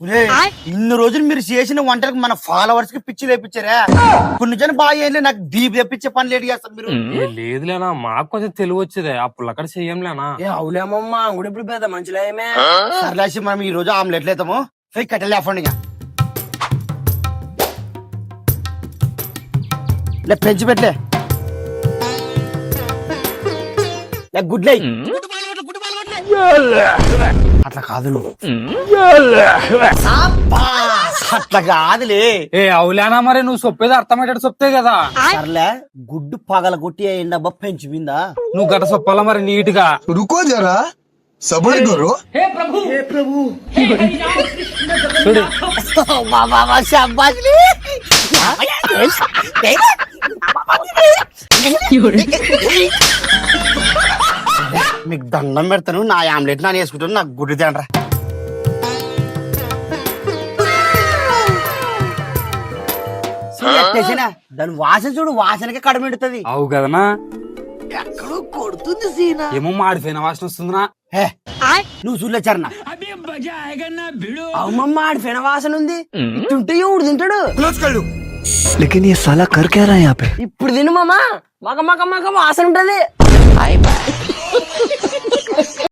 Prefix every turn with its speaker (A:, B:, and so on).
A: ఇన్ని రోజులు మీరు చేసిన వంటలకు మన ఫాలోవర్స్ కి పిచ్చి లేపించారా? కొన్ని జనం బాగా చేయలే, నాకు బీపీ తెప్పించే పని లేట్ చేస్తారు మీరు.
B: లేదులేనా, మాకు కొంచెం తెలివి వచ్చేదే అప్పుడు అక్కడ చెయ్యంలేనా.
C: అవులేమమ్మా కూడా ఇప్పుడు పెద్ద మంచిగా ఏమే
A: సర్లేసి మనం ఈ రోజు ఆమ్లెట్లు వేద్దాము. కట్టెలు లేఫండి ఇక పెంచి పెట్టలే గుడ్లే. అట్లా కాదు నువ్వు, అట్లా కాదులే.
B: అవులేనా, మరి నువ్వు చెప్పేది అర్థమయ్యేటట్టు చెప్తే కదా.
A: సర్లే, గుడ్డు పగల కొట్టి ఎండబ్బా పెంచిపోయిందా?
B: నువ్వు గట్ట చెప్పాలా మరి నీట్ గా.
D: रुको जरा सबर करो।
B: చూడు
A: మీకు దండం పెడతాను, నా ఆమ్లెట్ నాని వేసుకుంటాను, నాకు గుడ్డు తినరా. దాని వాసన చూడు, వాసనకే కడమెడుతుంది.
B: అవు కదనా,
C: ఎక్కడో కొడుతుంది సీనా.
B: ఏమో మాడిపోయిన వాసన వస్తుందినా.
A: నువ్వు చూడలేచారనా?
C: అమ్మమ్మ ఆడి ఫెన వాసన ఉంది. ఇట్టుంటే ఎవడు తింటాడు?
D: लेकिन ये साला कर क्या रहा है यहाँ पे?
C: ఇప్పుడు తిను మామా, మగ మగ మగ వాసన ఉంటది.